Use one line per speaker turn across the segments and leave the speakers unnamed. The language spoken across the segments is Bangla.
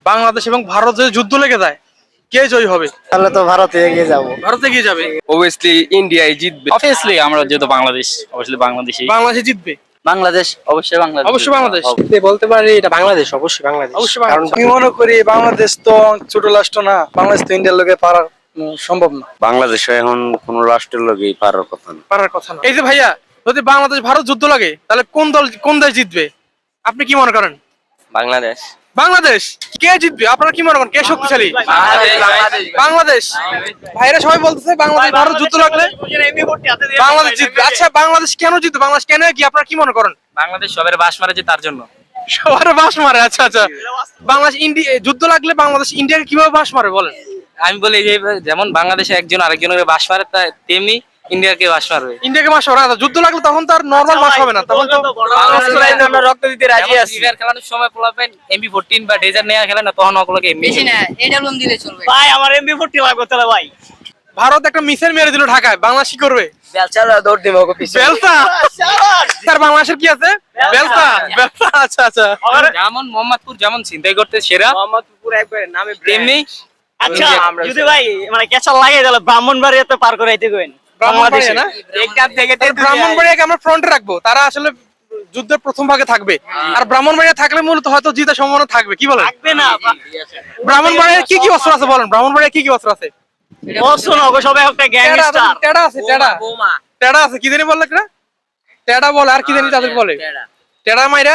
বাংলাদেশ এবং ভারত যদি যুদ্ধ লেগে যায় কে জয়ী হবে?
তাহলে তো ভারতে এগিয়ে যাবো।
ভারত এগিয়ে যাবে।
অবভিয়াসলি ইন্ডিয়াই জিতবে।
অবভিয়াসলি আমরা যেহেতু বাংলাদেশ, অবশ্যই বাংলাদেশই।
বাংলাদেশ জিতবে।
বাংলাদেশ, অবশ্যই বাংলাদেশ।
অবশ্যই বাংলাদেশ।
বলতে পারি এটা বাংলাদেশ, অবশ্যই বাংলাদেশ।
অবশ্যই
কারণ
বাংলাদেশ।
আমি মনে করি বাংলাদেশ তো ছোট রাষ্ট্র না, বাংলাদেশ তো ইন্ডিয়ার লোকে পারার সম্ভব না।
বাংলাদেশ এখন কোন রাষ্ট্রের লোকই পারার কথা না।
পারার কথা না। এই যে ভাইয়া, যদি বাংলাদেশ ভারত যুদ্ধ লাগে তাহলে কোন দেশ জিতবে? আপনি কি মনে করেন?
বাংলাদেশ।
বাংলাদেশ। কে জিতবে? আপনারা কি মনে করেন কে শক্তিশালী?
বাংলাদেশ।
বাংলাদেশ। ভাইরা সবাই বলতেছে বাংলাদেশ ভারত যুদ্ধ লাগলে বাংলাদেশ জিতবে। আচ্ছা বাংলাদেশ কেন জিতবে? বাংলাদেশ কেন কি আপনারা কি মনে করেন?
বাংলাদেশ সবার বাস মারে যে তার জন্য।
সবার বাস মারে। আচ্ছা আচ্ছা, বাংলাদেশ ইন্ডিয়া যুদ্ধ লাগলে বাংলাদেশ ইন্ডিয়াকে কিভাবে বাস মারে বলেন?
আমি বলি যে যেমন বাংলাদেশে একজন আরেকজনের বাস মারে, তেমনি ইন্ডিয়াকে বাস মারবে।
ইন্ডিয়াকে বাস মারে। আচ্ছা, যুদ্ধ লাগলে তখন তো আর নরমাল বাস হবে না, তখন তো
আমরা রক্ত দিতে রাজি আছি। সিভিয়ার খেলানোর সময় পোলাপেন এমবি14 বা ডেজার নেয়া খেলে না, তখন ওগুলোকে
বেশি না এটা লোন দিলে চলবে।
ভাই আমার এমবি40 লাগবে তাহলে ভাই।
ভারত একটা মিসাইল মেরে দিল ঢাকায়, বাংলাদেশ কি করবে?
বেলচারা দৌড় দিব ওকে পিছে।
বেলসা। স্যার বাংলাদেশের কি আছে? বেলসা। বেলসা। আচ্ছা আচ্ছা।
যেমন মোহাম্মদপুর যেমন ছিনতাই করতে সেরা,
মোহাম্মদপুর একবারে নামে
তেমনি
আচ্ছা যদি ভাই মানে কেঁচা লাগে তাহলে ব্রাহ্মণবাড়িয়াতে পার করাইতে কইন।
ব্রাহ্মণবাড়িয়া না? ব্রাহ্মণবাড়িয়াকে আমরা ফ্রন্টে রাখবো, তারা আসলে যুদ্ধের প্রথম ভাগে থাকবে। আর ব্রাহ্মণবাড়িয়া থাকলে মূলত হয়তো জিতার সম্ভাবনা থাকবে। কি বলেন?
থাকবে না।
ব্রাহ্মণবাড়িয়ার কি কি অস্ত্র আছে বলেন? ব্রাহ্মণবাড়িয়া কি কি অস্ত্র আছে?
অবশ্য না, ওকে সবাই একটা গ্যাংস্টার।
টেডা আছে। টেডা আছে। কি জানি বললে না? টেডা বলে আর কি জানি তাদের বলে। টেডা মাইরা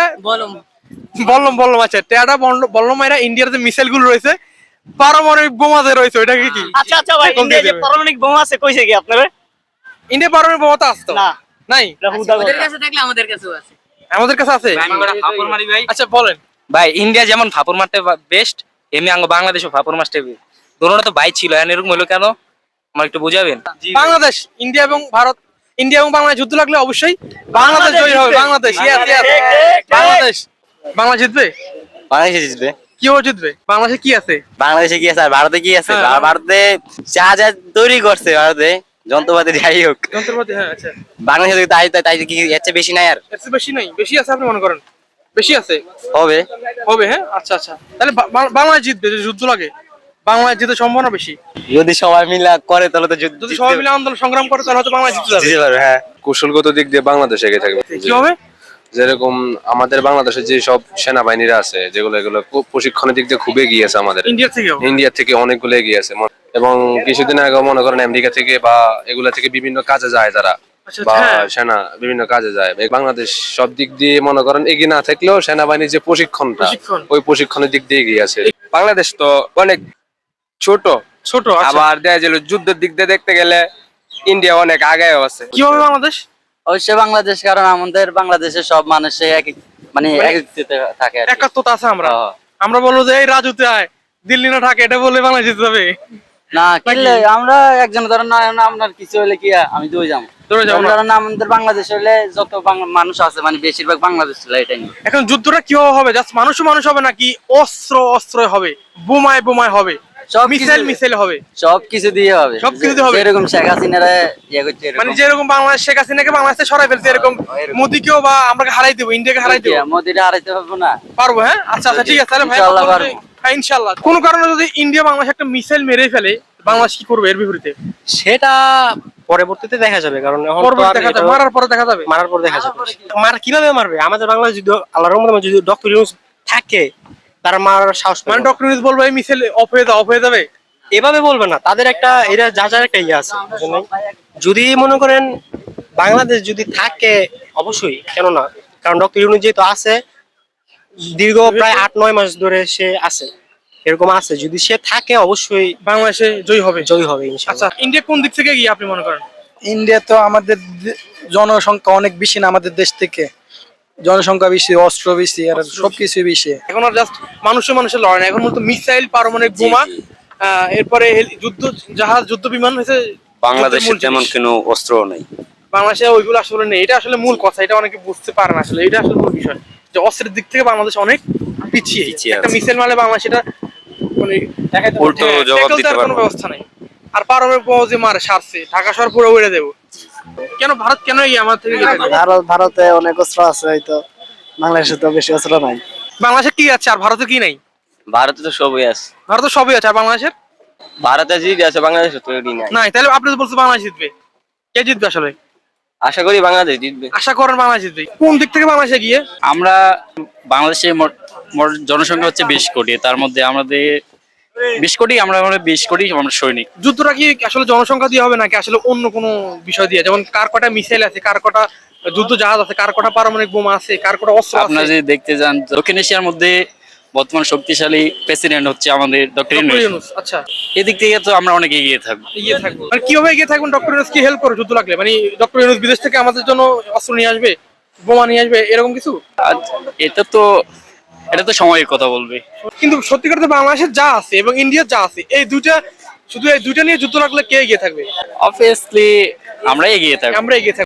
বললাম। আচ্ছা টেডা বললাম মাইরা ইন্ডিয়ার যে মিসাইল গুলো রয়েছে, পারমাণবিক বোমা যে রয়েছে ওইটাকে কি?
আচ্ছা আচ্ছা ভাই, ইন্ডিয়া যে পারমাণবিক বোমা আছে কইছে কি আপনারা?
ইন্ডিয়া পারমাণবিক বোমা তো আছে তো?
না
নাই।
ওদের কাছে থাকলে আমাদের কাছেও আছে।
আমাদের কাছে আছে।
ফাপড় মারি ভাই।
আচ্ছা বলেন।
ভাই ইন্ডিয়া যেমন ফাপড় মারতে বেস্ট, এমনি আঙ্গ বাংলাদেশও ফাপড় মারতে দোনোটা তো ভাই ছিল, এরকম হলো কেন আমার একটু বুঝাবেন?
বাংলাদেশ ইন্ডিয়া এবং ভারত, ইন্ডিয়া এবং বাংলাদেশ যুদ্ধ লাগলে অবশ্যই বাংলাদেশ জয়ী হবে। বাংলাদেশ। বাংলাদেশ। বাংলাদেশ জিতবে।
বাংলাদেশে জিতবে।
কিভাবে জিতবে? বাংলাদেশে কি আছে?
বাংলাদেশে কি আছে আর ভারতে কি আছে?
হ্যাঁ।
ভারতে যা যা তৈরি করছে, ভারতে যন্ত্রপাতি যাই হোক,
যন্ত্রপাতি। হ্যাঁ আচ্ছা।
বাংলাদেশে তাই তাই কি এর চেয়ে বেশি নাই আর?
এর চেয়ে বেশি নাই? বেশি আছে আপনি মনে করেন? বেশি আছে।
হবে।
হ্যাঁ আচ্ছা আচ্ছা, তাহলে বাংলাদেশ জিতবে যদি যুদ্ধ লাগে। বাংলাদেশ জিতে সম্ভাবনা বেশি।
যদি সবাই মিলে করে তাহলে তো
যদি সবাই মিলে আন্দোলন সংগ্রাম করে তাহলে হয়তো বাংলাদেশ জিতে যাবে।
জিততে পারবে। হ্যাঁ।
কৌশলগত দিক দিয়ে বাংলাদেশ এগিয়ে থাকবে।
কি হবে?
যেরকম আমাদের বাংলাদেশের যে সব সেনাবাহিনীরা আছে, এগুলো প্রশিক্ষণের দিক দিয়ে খুব এগিয়ে আছে আমাদের ইন্ডিয়া থেকে অনেকগুলো এগিয়ে আছে। এবং কিছুদিন আগে মনে করেন আমেরিকা থেকে বা এগুলা থেকে বিভিন্ন কাজে যায় যারা,
আচ্ছা,
বা
হ্যাঁ।
সেনা বিভিন্ন কাজে যায়। বাংলাদেশ সব দিক দিয়ে মনে করেন এগিয়ে না থাকলেও সেনাবাহিনীর যে প্রশিক্ষণটা, ওই প্রশিক্ষণের দিক দিয়ে এগিয়ে আছে।
বাংলাদেশ তো অনেক ছোট,
আচ্ছা।
আবার দেখা গেল যুদ্ধের দিক দিয়ে দেখতে গেলে ইন্ডিয়া অনেক আগায়ও আছে।
কি হবে বাংলাদেশ?
অবশ্যই বাংলাদেশ, কারণ আমাদের বাংলাদেশের সব মানুষে মানে থাকে।
একাত্মতা আছে। আমরা বলবো যে এই রাজুতে আয়, দিল্লি না থাকে, এটা বলে বাংলাদেশ জিতে যাবে
না। কিনলে আমরা একজন ধরেন না, আপনার কিছু হলে কি আমি দৌড়ে যাবো। ধরেন আমাদের বাংলাদেশ হলে যত মানুষ আছে মানে বেশিরভাগ বাংলাদেশ ছিল। এটাই
এখন যুদ্ধটা কিভাবে হবে? জাস্ট মানুষ হবে নাকি অস্ত্র হবে, বোমায় হবে, মিসাইল হবে?
সবকিছু দিয়ে হবে।
সবকিছু দিয়ে হবে।
এরকম শেখ হাসিনারা ইয়ে করছে,
মানে যেরকম বাংলাদেশ শেখ হাসিনাকে বাংলাদেশে সরাই ফেলছে, এরকম মোদিকেও বা আমরা হারাই দেবো, ইন্ডিয়াকে হারাই দেবো।
মোদিটা হারাইতে পারবো না।
পারবো। হ্যাঁ আচ্ছা আচ্ছা ঠিক আছে। তাহলে ভাই
ইনশাআল্লাহ পারবো।
হ্যাঁ ইনশাআল্লাহ। কোন কারণে যদি ইন্ডিয়া বাংলাদেশ একটা মিসাইল মেরে ফেলে, বাংলাদেশ কি করবে এর বিপরীতে?
সেটা পরবর্তীতে দেখা যাবে, কারণ এখন
মারার পরে দেখা যাবে।
কিভাবে মারবে? আমাদের বাংলাদেশ যদি আল্লাহর রহমতে যদি ডক্টর ইউনূস থাকে, তারা মারার সাহস পাবে।
মানে ডক্টর ইউনূস বলবে এই মিসাইল অফ হয়ে যাবে।
এভাবে বলবে না, তাদের একটা এরা যার একটা ইয়ে আছে। যদি মনে করেন বাংলাদেশ যদি থাকে, অবশ্যই কেন না, কারণ ডক্টর ইউনূস যেহেতু আছে, দীর্ঘ প্রায় 8-9 মাস ধরে সে আছে, এরকম আছে, যদি সে থাকে অবশ্যই
বাংলাদেশে জয়ী হবে
ইনশাআল্লাহ।
আচ্ছা, ইন্ডিয়া কোন দিক থেকে গিয়ে আপনি মনে করেন?
ইন্ডিয়া তো আমাদের জনসংখ্যা অনেক বেশি না, আমাদের দেশ থেকে জনসংখ্যা বেশি, অস্ত্র বেশি, আর সবকিছু বেশি।
এখন আর জাস্ট মানুষের লড়াই না, এখন মূলত মিসাইল, পারমাণবিক বোমা, এরপরে যুদ্ধ জাহাজ, যুদ্ধ বিমান হয়েছে।
বাংলাদেশে তেমন কোনো অস্ত্র নেই।
বাংলাদেশে ওইগুলো আসলে নেই। এটা আসলে মূল কথা, এটা অনেকে বুঝতে পারে না। আসলে এটা আসলে মূল বিষয় যে অস্ত্রের দিক থেকে বাংলাদেশ অনেক পিছিয়ে। একটা মিসাইল মারলে বাংলাদেশ এটা মানে
উল্টো জবাব দিতে পারবে
কোনো ব্যবস্থা নেই। আর পারমাণবিক বোমা যে মারে সারছে, ঢাকা শহর পুরো উড়ে দেবো। কেন ভারত কেন আমার থেকে?
ভারতে অনেক অস্ত্র আছে, হয়তো বাংলাদেশে তো বেশি অস্ত্র নাই।
বাংলাদেশে কি আছে আর ভারতে কি নাই?
ভারতে তো সবই আছে,
ভারতের সবই আছে, আর বাংলাদেশের
ভারতে জিতে আছে, বাংলাদেশে তো এটি নাই।
নাই। তাহলে আপনি তো বলছেন বাংলাদেশ জিতবে, কে জিতবে আসলে?
আশা করি বাংলাদেশ জিতবে।
আশা করেন বাংলাদেশ জিতবে। কোন দিক থেকে বাংলাদেশে গিয়ে?
আমরা বাংলাদেশে মোট জনসংখ্যা হচ্ছে 20 কোটি, তার মধ্যে আমাদের 20 কোটি, আমরা 20 কোটি আমরা সৈনিক।
যুদ্ধটা কি আসলে জনসংখ্যা দিয়ে হবে নাকি আসলে অন্য কোনো বিষয় দিয়ে? যেমন কার কটা মিসাইল আছে, কার কটা যুদ্ধ জাহাজ আছে, কার কটা পারমাণবিক বোমা আছে, কার কটা অস্ত্র
আপনারা
আছে?
যদি দেখতে যান, দক্ষিণ এশিয়ার মধ্যে বর্তমান শক্তিশালী প্রেসিডেন্ট হচ্ছে আমাদের ডক্টর
ডক্টর
ইউনূস।
ইউনূস। আচ্ছা,
এদিক থেকে তো আমরা অনেক এগিয়ে থাকবো।
এগিয়ে থাকবো মানে কিভাবে এগিয়ে থাকবেন? ডক্টর ইউনূস কি হেল্প করে যুদ্ধ লাগলে? মানে ডক্টর ইউনূস বিদেশ থেকে আমাদের জন্য অস্ত্র নিয়ে আসবে, বোমা নিয়ে আসবে, এরকম কিছু?
আর এটা তো সময়ের কথা বলবে।
কিন্তু সত্যিকার তো বাংলাদেশের যা আছে এবং ইন্ডিয়ার যা আছে, এই দুইটা নিয়ে যুদ্ধ লাগলে কে এগিয়ে থাকবে?
অবভিয়াসলি আমরা এগিয়ে থাকবো।
আমরা এগিয়ে থাকবো।